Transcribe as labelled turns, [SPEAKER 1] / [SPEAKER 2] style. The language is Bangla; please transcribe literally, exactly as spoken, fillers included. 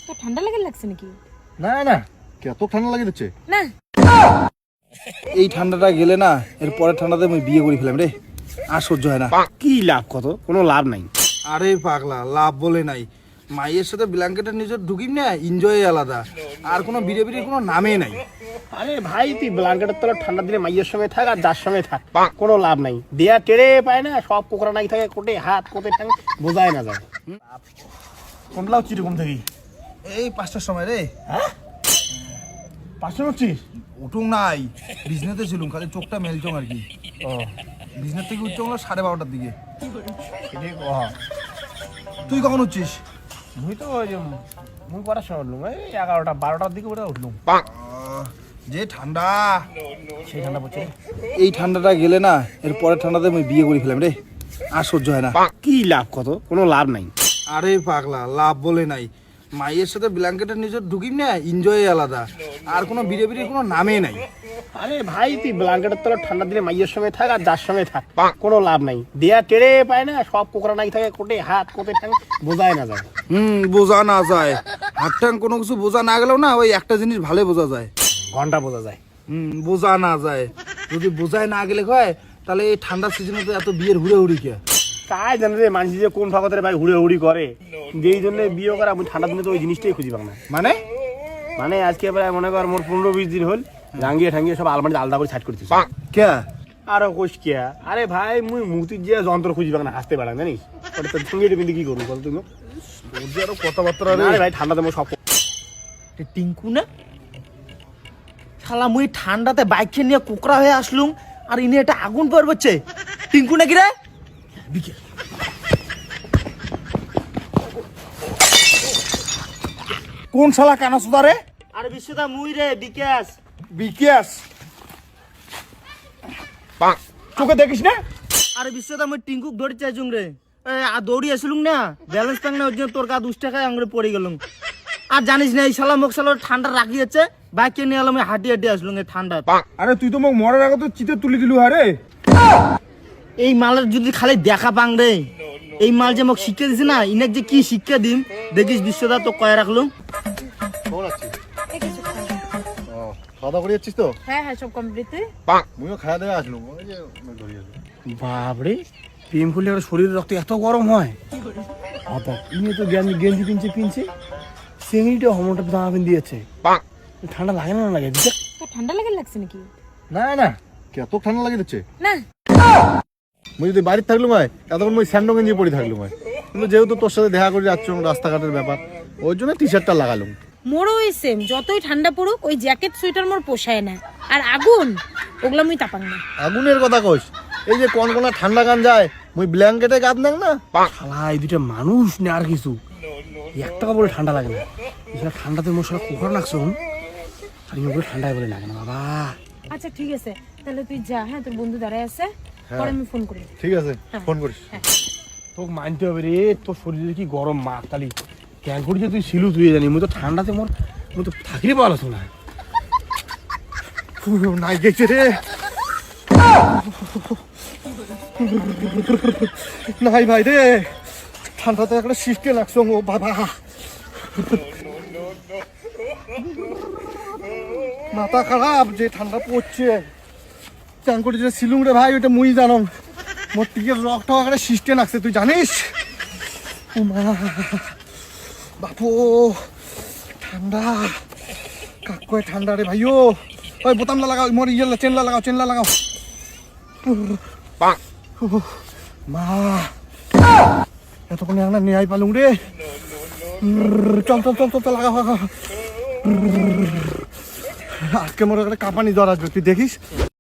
[SPEAKER 1] তো ঠান্ডা লাগে লাগছে নাকি?
[SPEAKER 2] না না কত ঠান্ডা লাগে দিচ্ছে
[SPEAKER 1] না
[SPEAKER 2] এই ঠান্ডাটা গেলে না এর পরের ঠান্ডাতে আমি বিয়ে করে ফেলাম রে। আর সহ্য হয় না।
[SPEAKER 3] কি লাভ, কত কোনো লাভ নাই।
[SPEAKER 2] আরে পাগলা, লাভ বলে নাই। মাইয়ের সাথে ব্ল্যাঙ্কেটের নিজের ঢুকিম না, এনজয় আলাদা। আর কোনো বিড়ে বিড়ে কোনো নামে নাই।
[SPEAKER 3] আরে ভাই তুই ব্ল্যাঙ্কেটের তলা ঠান্ডা দিনে মাইয়ের সঙ্গে থাক আর যার সঙ্গে থাক, কোনো লাভ নাই। দেয়া টেরে পায় না, সব কোকড়া নাই থাকে, কোটে হাত কোটে ঠাং বোঝায় না যায়। কোনটাও চিরকম থাকি
[SPEAKER 2] এই পাঁচটার সময় রে।
[SPEAKER 3] হ্যাঁ পাঁচশো উঠছিস?
[SPEAKER 2] উঠুং নাই, বিজনেসে ছিলুম, খালি চোখটা মেলচং আর কি।
[SPEAKER 3] ও
[SPEAKER 2] বিজনেস থেকে উঠছ হলো সাড়ে বারোটার দিকে।
[SPEAKER 3] সেটাই ক।
[SPEAKER 2] তুই কখন উঠছিস?
[SPEAKER 3] মুই তো ওই যে মুই করার সময় উঠলুম এই এগারোটা বারোটার দিকে ওটা উঠলুম।
[SPEAKER 2] আহ, যে ঠান্ডা,
[SPEAKER 3] সেই ঠান্ডা পড়ছে।
[SPEAKER 2] এই ঠান্ডাটা গেলে না এর পরের ঠান্ডাতে আমি বিয়ে করে ফেলাম রে। আর সহ্য হয় না।
[SPEAKER 3] কি লাভ, কত কোনো লাভ নাই।
[SPEAKER 2] আরে পাগলা, লাভ বলে নাই। মাইয়ের সাথে ব্ল্যাঙ্কেটের নিজের ঢুকিম না, এনজয় আলাদা। আর কোনো বিড়ে বিড়ে কোনো নামে নাই।
[SPEAKER 3] আরে ভাই তুই ব্ল্যাঙ্কেটের তলা ঠান্ডা দিনে মাইয়ের সঙ্গে থাক আর যার সঙ্গে থাক, কোনো লাভ নাই। দেয়া টেরে পায় না, সব কোকড়া নাই থাকে, কোটে হাত কোটে ঠাং বোঝায় না যায়।
[SPEAKER 2] হুম, বোঝা না যায়। হাত ঠাং কোনো কিছু বোঝা না গেলেও না ওই একটা জিনিস ভালো বোঝা যায়।
[SPEAKER 3] ঘন্টা বোঝা যায়।
[SPEAKER 2] হুম, বোঝা না যায়। যদি বোঝায় না গেলে হয় তাহলে এই ঠান্ডার সিজনে তো এত বিয়ের হুড়ে হুড়ি কে?
[SPEAKER 3] তাই জানে রে মানুষ যে কোন ফাঁকতে ভাই হুড়ে হুড়ি করে, যেই জন্য বিয়ে করা আমি ঠান্ডা দিনে তো ওই জিনিসটাই খুঁজি পাব না।
[SPEAKER 2] মানে
[SPEAKER 3] মানে আজকে প্রায় মনে কর মোর পনেরো বিশ দিন হল রাঙ্গিয়ে ঠাঙ্গিয়ে সব আলমারিতে আলাদা করে সাইড করতেছি।
[SPEAKER 2] কে?
[SPEAKER 3] আরো কোষ কে? আরে ভাই মুই মুক্তির যে যন্ত্র খুঁজি পাব না, হাসতে পারা জানিস? ওটা তো ঠুঙ্গিয়ে কিন্তু কি করবো বল তুমি?
[SPEAKER 2] ওদের আরো কথাবার্তা
[SPEAKER 3] আরে ভাই ঠান্ডাতে মোর সব
[SPEAKER 4] টিঙ্কু না শালা, মুই ঠান্ডাতে বাইক নিয়ে কুকরা হয়ে আসলুম আর ইনি এটা আগুন পড়বচ্ছে। টিঙ্কু নাকি রে?
[SPEAKER 2] কোন শালা কানা সুদা রে?
[SPEAKER 4] আরে বিশ্বদা মুই রে, বিকাশ।
[SPEAKER 2] বিকাশ? তোকে দেখিস না?
[SPEAKER 4] আরে বিশ্বদা মুই টিঙ্কুক ধরে চাইছুম রে। এ, আর দৌড়ি আসলুম না, ব্যালেন্স পাং না, ওই জন্য তোর কা দুশ টাকায় আঙুলে পড়ে গেলুম। আর জানিস না এই শালা মোক শালা ঠান্ডা রাখিয়েছে, বাইক নিয়ে এলাম হাঁটি হাঁটি আসলুম এই ঠান্ডা।
[SPEAKER 2] আরে তুই তো মোক মরার আগে তো চিতে তুলি দিলু আরে।
[SPEAKER 4] এই মালের যদি খালি দেখা পাং রে, এই মাল যে মোক শিক্ষা দিছে না, ইনাক যে কি শিক্ষা দিম দেখিস বিশ্বদা, তো কয়ে রাখলুম।
[SPEAKER 2] খাওয়া দাওয়া করে যাচ্ছিস তো?
[SPEAKER 1] হ্যাঁ হ্যাঁ সব কমপ্লিট।
[SPEAKER 2] মুইও খাওয়া দাওয়া আসলুম, ওই যে ধরিয়ে
[SPEAKER 3] বাপরে, প্রেম করলে ওর শরীরের রক্ত এত গরম হয়? আচ্ছা ইনি তো গেঞ্জি গেঞ্জি কিনছে কিনছে সিঙ্গিটা হমনটা জামা পিন দিয়েছে। ঠান্ডা লাগে না? লাগে দিচ্ছে।
[SPEAKER 1] তো ঠান্ডা লাগে লাগছে নাকি?
[SPEAKER 2] না না কত ঠান্ডা লাগে দিচ্ছে।
[SPEAKER 1] না
[SPEAKER 2] মুই যদি বাড়িতে থাকলুম হয় এতক্ষণ মুই স্যান্ডো গেঞ্জি পরে থাকলুম হয়, কিন্তু যেহেতু তোর সাথে দেখা করে যাচ্ছ রাস্তাঘাটের ব্যাপার, ওই জন্য টি শার্টটা লাগালুম।
[SPEAKER 1] মোরও ওই সেম, যতই ঠান্ডা পড়ুক ওই জ্যাকেট সোয়েটার মোর পোষায় না। আর আগুন ওগুলো মুই তাপাং না।
[SPEAKER 2] আগুনের কথা কইস? এই যে কোন কোন ঠান্ডা গান যায়, মুই ব্ল্যাঙ্কেটে গাদ নাক না।
[SPEAKER 3] শালা এই দুটা মানুষ না আর কিছু, একটা বলে ঠান্ডা লাগে না। এছাড়া ঠান্ডাতে মশলা কুকুর লাগছে আর ইয়ে বলে ঠান্ডায় বলে লাগে না বাবা।
[SPEAKER 1] আচ্ছা ঠিক আছে, তাহলে তুই যা। হ্যাঁ তোর বন্ধু দাঁড়ায় আছে, পরে আমি ফোন করি।
[SPEAKER 2] ঠিক আছে, ফোন করিস।
[SPEAKER 3] তোকে মানতে হবে রে, তোর শরীরে কি গরম মা তালি ক্যাং করি যে তুই শিলু তুই জানি। মুই তো ঠান্ডাতে মোর মুই তো থাকিরে পারছ না।
[SPEAKER 2] নাই গেছে রে, নাই ভাই রে, ঠান্ডাতে একটা শিফটে লাগছো ও বাবা। মাথা খারাপ, যে ঠান্ডা পড়ছে। চান করে যে সিলুং রে ভাই, ওইটা মুই জানো। মোর টিকের রকটা একটা শিফটে লাগছে, তুই জানিস? ও মা বাপু, ঠান্ডা কাকয় ঠান্ডা রে ভাইও। ওই বোতামটা লাগাও, মোর ইয়ে চেনলা লাগাও, চেনলা লাগাও। মা এতক্ষণ একটা নেয়াই পালুম রে। চল চল চল চল লাগাও। আজকে মোর একটা কাঁপানি জ্বর আসবে, তুই দেখিস।